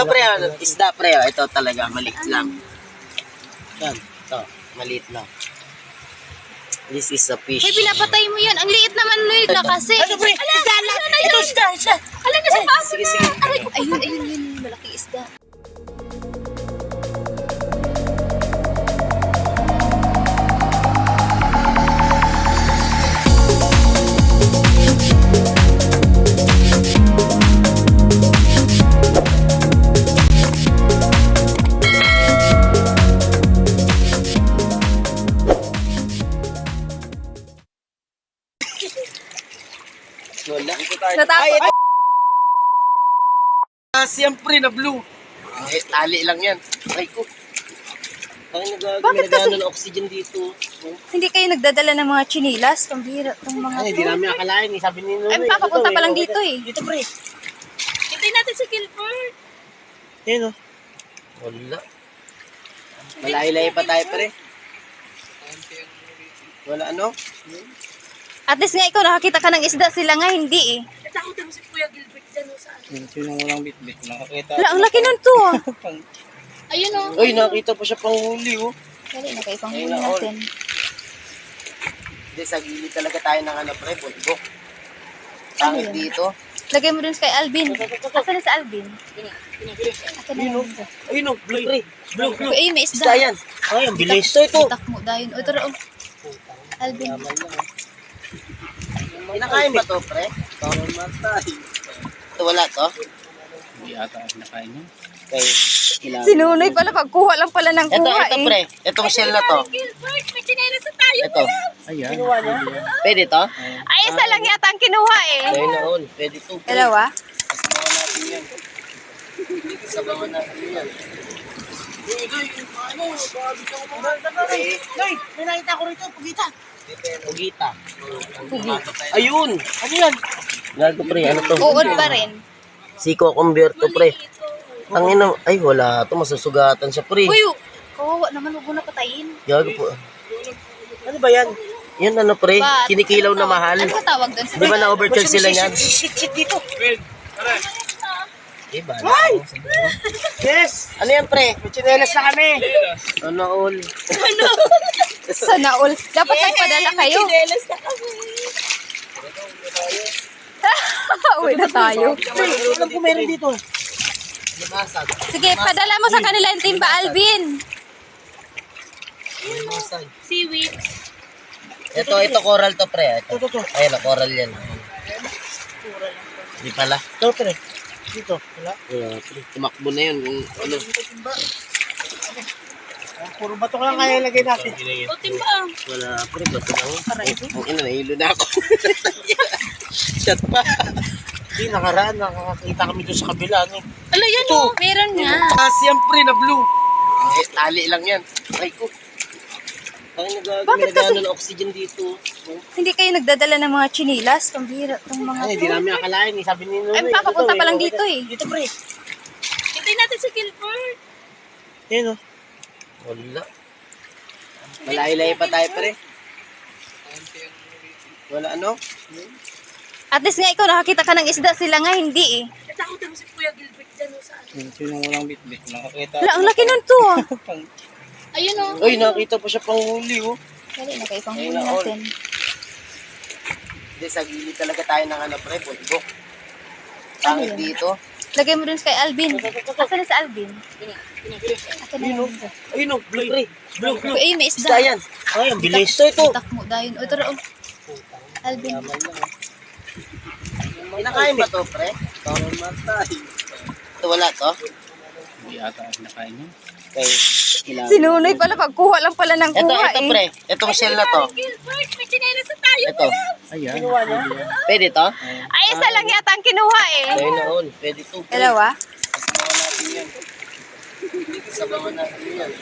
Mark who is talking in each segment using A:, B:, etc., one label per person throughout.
A: Pre, isda pre, ito talaga, maliit lang. Yan, ito, maliit lang. This is a fish.
B: Uy, pinapatay mo yan. Ang liit naman Lloyd na kasi.
A: Ano pre? Isda lang! Ito, isda!
B: Alam na sa paso
A: Sige,
B: na.
A: sige.
B: Aray ko. Ayun. Malaking isda.
A: Wala.
B: Natakot.
A: Siyempre na blue. Tali lang yan. Ay ko. Ay,
B: Bakit kasi-
A: ng oxygen dito.
B: Hindi kayo nagdadala ng mga chinilas? Pambira itong mga
A: Ay, di namin akalain. Sabi ni Nuno.
B: Ay, papapunta pa lang dito eh.
A: Dito pre.
B: Hintayin natin si Gilbert.
A: Yan o. Wala. Malayo-layo pa tayo pre. Wala ano?
B: At least nga ikaw nakakita ka ng isda, sila nga hindi eh.
C: Natakot mo si Kuya Gilbert dyan o saan?
D: Sino walang bitbit, nakakita.
B: Wala, ang laki nun to ah.
C: Ayun o.
A: Uy, nakita pa siya pang huli oh.
B: Dali na kayo pang huli
A: Ayun na, all.
B: natin.
A: Hindi, sa gilid talaga tayo ng ano pre, bundok. Pangit
B: Ano yun?
A: dito.
B: Lagay mo dun kay Alvin. Asan na si Alvin? Asan na yun?
A: Ayun o, blue pre. Blue.
B: Uy, ayun, may
A: Isda
B: isda.
A: yan. Ay, ang bilis. Ito.
B: Takmo dahil. O, tara oh. Alvin.
A: Kinakain ba to pre? Parang matay. Ito wala to?
D: Hindi ata nakain yun.
A: Okay.
B: Sinunoy pala, pagkuha lang pala ng
A: Ito,
B: kuha
A: ito
B: eh.
A: pre. Itong shell na to.
C: Gilbert, may chinelas na tayo.
A: Ito.
D: Ayan.
A: Pwede to?
B: Ay, isa lang yata ang kinuha eh.
A: Ayun na all. Pwede to. pre.
B: Dalawa?
A: Sabangan natin yan. Sabangan natin yan.
C: Loy, may nakita ko rito, pugita.
A: Pugita. Ayun! Ano yan? Gago pre, ano to?
B: Uod pa rin.
A: Siko convert to pre. Ang ina, ay wala to, masusugatan siya pre.
B: Uy, kawawa naman, huwag mo na patayin.
A: Gago po. Ano ba yan? Yan ano pre,
B: Ba-
A: kinikilaw na mahal.
B: Ano ba tawag doon?
A: Di ba na-overcharge sila niyan?
C: Shit dito.
A: Diba?
C: Yes.
A: Ano yan pre?
C: May chinelas na kami.
A: Ano all?
B: Sana all. Dapat nagpadala kayo.
C: Chinelas na kami.
B: Uwi na tayo.
C: Alam ko meron dito.
A: Lumasag.
B: Sige, padala mo sa kanila yung timba, Alvin.
A: Lumasag.
C: Seaweed.
A: Ito coral to pre. Ito.
C: Ito.
A: Ayun, coral yan. Di pala.
C: Ito, pre. Dito. Wala.
A: Pre. Tumakbo na yun. Kung ano.
C: Puro bato lang kaya ilagay natin. O, timba.
A: Wala pre. Bato lang. Ang ina, nahilo na ako. Shot pa.
C: Hindi, nakaraan. Nakakita kami doon sa kabila. Ano?
B: Ala, yan
C: Ito.
B: o. Meron nga.
A: Siyempre na blue. Tali lang yan. Ay ko. Ay,
B: Bakit kasi-
A: ng oxygen dito.
B: Hindi kayo nagdadala ng mga chinilas? Pambira itong mga
C: Ay, di namin akalain. Sabi ni Nuno.
B: Ay, papapunta pa lang dito eh.
C: Dito, pre.
B: Hintayin natin si Gilbert.
C: Yan o.
A: Wala. Malayo-layo pa tayo pre. Wala ano?
B: At least nga ikaw nakakita ka ng isda, sila nga hindi eh.
C: Natakot mo si Kuya Gilbert dyan o saan?
D: Sino walang bitbit, nakakita.
B: Wala, ang laki nun to ah.
C: Ayun o.
A: Uy, nakita pa siya pang huli oh.
B: Dali na kayo pang huli
A: Ayun na, all.
B: natin.
A: Hindi, sa gilid talaga tayo ng ano pre, bundok. Pangit
B: Ano yun?
A: dito.
B: Lagay mo dun kay Alvin. Asan na si Alvin? Asan na yun?
A: Ayun oh, blue pre. Blue.
B: Uy, ayun, may
A: Isda
B: isda.
A: yan. Ay, ang bilis. Ito.
B: Takmo dahil. O, tara oh. Alvin.
A: Kinakain ba to pre? Parang matay. Ito wala to?
D: Hindi ata nakain yun.
A: Okay.
B: Sinunoy pala, pagkuha lang pala ng
A: Ito
B: kuha eh.
A: pre. Itong shell na to.
C: Gilbert, may chinelas na tayo.
A: Ito.
D: Ayan.
A: Pwede to?
B: Ay, isa lang yata ang kinuha eh.
A: Ayun na all. Pwede to. pre.
B: Dalawa?
A: Sabangan natin yan. Sabangan natin yan.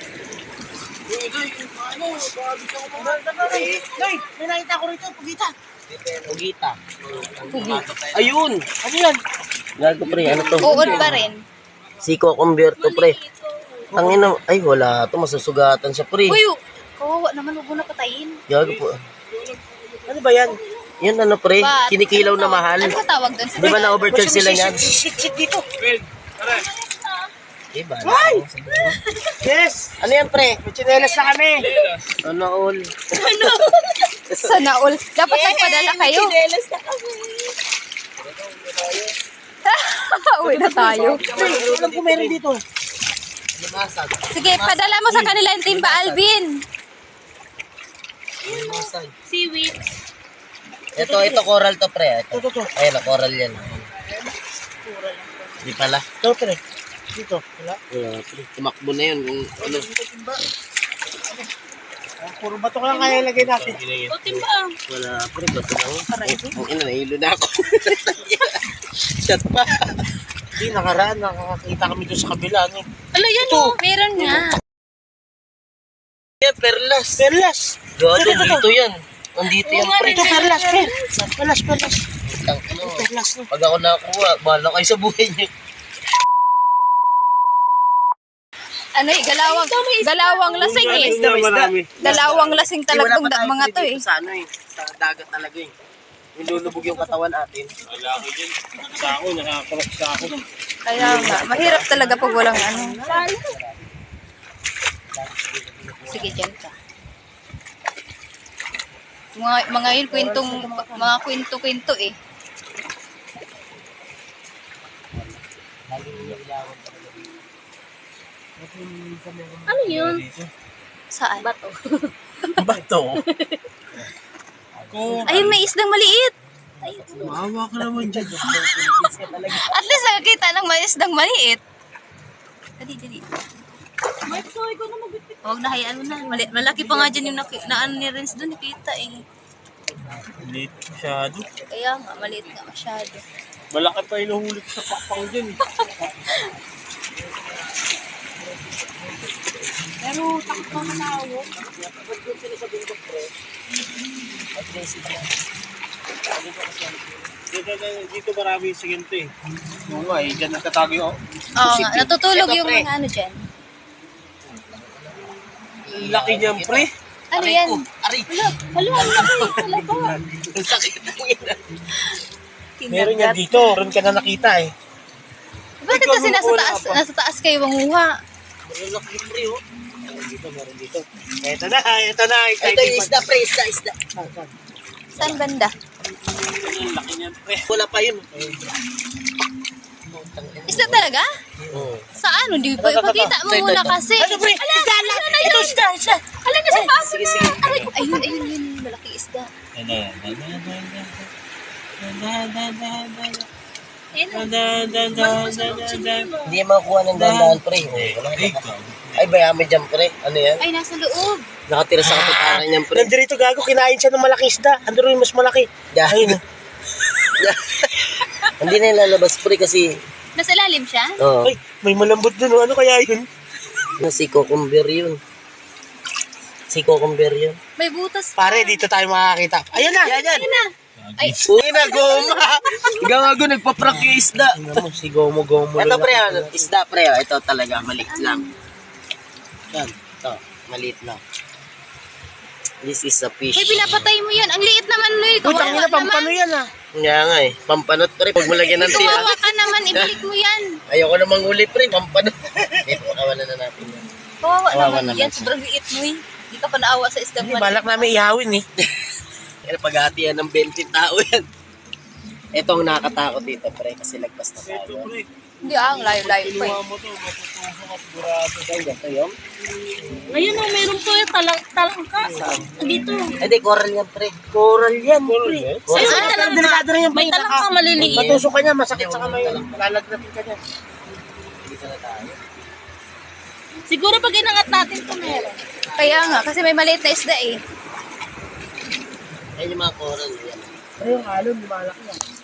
C: Loy, may nakita ko rito, pugita.
A: Pugita. Ayun!
C: Ano yan?
A: Gago pre, ano to?
B: Uod pa rin.
A: Siko convert to pre. Ang ina, ay wala to, masusugatan siya pre.
B: Uy, kawawa naman, huwag mo na patayin.
A: Gago po.
C: Ano ba yan?
A: Yan ano pre,
B: Ba-
A: kinikilaw na mahal.
B: Ano ba tawag doon?
A: Di ba na-overcharge sila niyan?
C: Shit dito.
A: Iba.
C: Ay! Yes!
A: Ano yan, pre?
C: May tsinelas na kami.
A: Ano, all?
B: Sana all. Dapat nagpadala kayo. Uwi na tayo.
C: Alam ko meron dito.
A: Limasag.
B: Sige, padala mo sa kanila yung Timba Alvin.
A: Limasag.
B: Seaweed.
A: Ito, coral to, pre. Ito.
C: Ito.
A: Ayun, coral yan. Di pala.
C: Ito, pre. Dito. Wala.
A: Wala, pre. Tumakbo na yun. Kung ano.
C: Puro bato ka lang kaya ilagay natin.
A: Wala, pre. Bato lang. Ang ina, nahilo na ako. Shot pa.
C: Hindi, nakaraan. Nakakita kami doon sa kabila. Ano?
B: Ala, yan o. Meron nga.
A: Yan, perlas.
C: Perlas!
A: Gado, dito yan. Nandito yan, pre.
C: Ito, perlas, pre. Perlas.
A: Ang ano.
C: Perlas. No?
A: Pag ako nakakuha, bahala kayo sa buhay niyo.
B: Ano eh, galawang lasing eh. Galawang lasing talagang mga to eh.
A: Sa ano eh, sa dagat talaga eh. Nilulubog yung katawan natin.
C: Malaki din. Sa ako, nakakulok sa ako.
B: Kaya nga, mahirap talaga pag walang ano. Sige, dyan ka. Mga yun, mga kwento-kwento eh.
E: Ano yun?
B: Saan?
C: Bato.
B: Ayun, may isdang maliit.
C: Maawa ka naman dyan.
B: At least nakakita ng may isdang maliit. Dali. Huwag na, hayaan mo na. Malaki pa nga dyan yung ano ni Renz doon, nakita eh.
C: Late masyado.
B: Kaya nga, maliit nga masyado.
C: Malaki pa inuhuli ko sa pakpang dyan.
E: Pero takot pa matawag.
C: Dito marami yung siginto eh. Oo nga eh, dyan nagtatago yung
B: Oo nga, natutulog
A: Ito,
B: yung
A: pre.
B: mga ano dyan.
C: laki niyan, pre.
B: Ano yan?
A: Aray! Ang sakit ng ina.
C: Meron yan dito. Meron ka na nakita eh.
B: Bakit kasi nasa taas kayo manguha?
A: Malaki pre oh.
C: Meron dito. Ito na.
A: Ito yung isda pre, isda.
B: Saan banda?
C: Laki niyan, pre.
A: Wala pa yun.
B: Isda talaga?
A: Oo.
B: Saan? Hindi pa ipakita mo muna kasi.
C: Ano, pre? Isda lang. Ito, isda.
B: Ala na sa paso
A: Sige,
B: na.
A: sige.
B: Aray, ayun, malaki isda.
A: Hindi makuha ng dandahan pre. Wala na. Ay, bayami dyan pre. Ano yan?
B: Ay, nasa loob.
A: Nakatira sa kaputaran niyan pre.
C: Nandito gago, kinain siya ng malaki isda. Ando rin mas malaki.
A: Dahil. Hindi na ilalabas pre kasi
B: Nasa ilalim siya?
C: Ay, may malambot dun. Oh. Ano kaya yun?
A: si cucumber yun. Si cucumber yun.
B: May butas.
C: Pare, dito tayo makakita. Ayan na.
A: Yan.
B: Ay,
A: Uy na, goma. Gawago, nagpa-prank yung isda.
C: Tingnan mo, si Gomo.
A: Ito pre, isda pre. Ito talaga, maliit lang. Yan, ito, maliit lang. This is a fish.
B: may pinapatay mo yan. Ang liit naman nun.
C: Uy, tangina, pampano yan ah.
A: Nga nga eh, pampanot pre. Pag mulagyan ng tira.
B: Kawawa ka naman. Ibalik mo yan.
A: Ayoko namang uli pre, pampanot. Ito, makawalan na natin yan.
B: Kawawa
A: Kawawa
B: naman
A: naman
B: yan.
A: siya.
B: Sobrang liit mo eh. Hindi ka pa naawa sa isdang
C: Hindi,
B: maliit.
C: balak namin ihawin eh.
A: Kaya paghatian ng 20 tao yan. Ito ang nakakatakot dito pre, kasi lagpas na tayo.
B: Hindi ang layo-layo pa eh.
C: mo to, matutusok at burado.
A: Ay, ito yun.
E: Ngayon o, meron po yung talangka. Dito.
A: Ay, di, coral yan pre.
C: Coral yan, pre.
A: Coral.
C: Ayun, pero delikado rin yung
E: May talangka maliliit.
C: matusok ka niya, masakit sa kamay. Lalagnatin ka niya.
A: Dito na tayo.
E: Siguro pag inangat natin ito meron.
B: Kaya nga, kasi may maliit na isda eh.
A: Ayun yung mga coral yan.
C: Ayun, alon, lumalaki yan.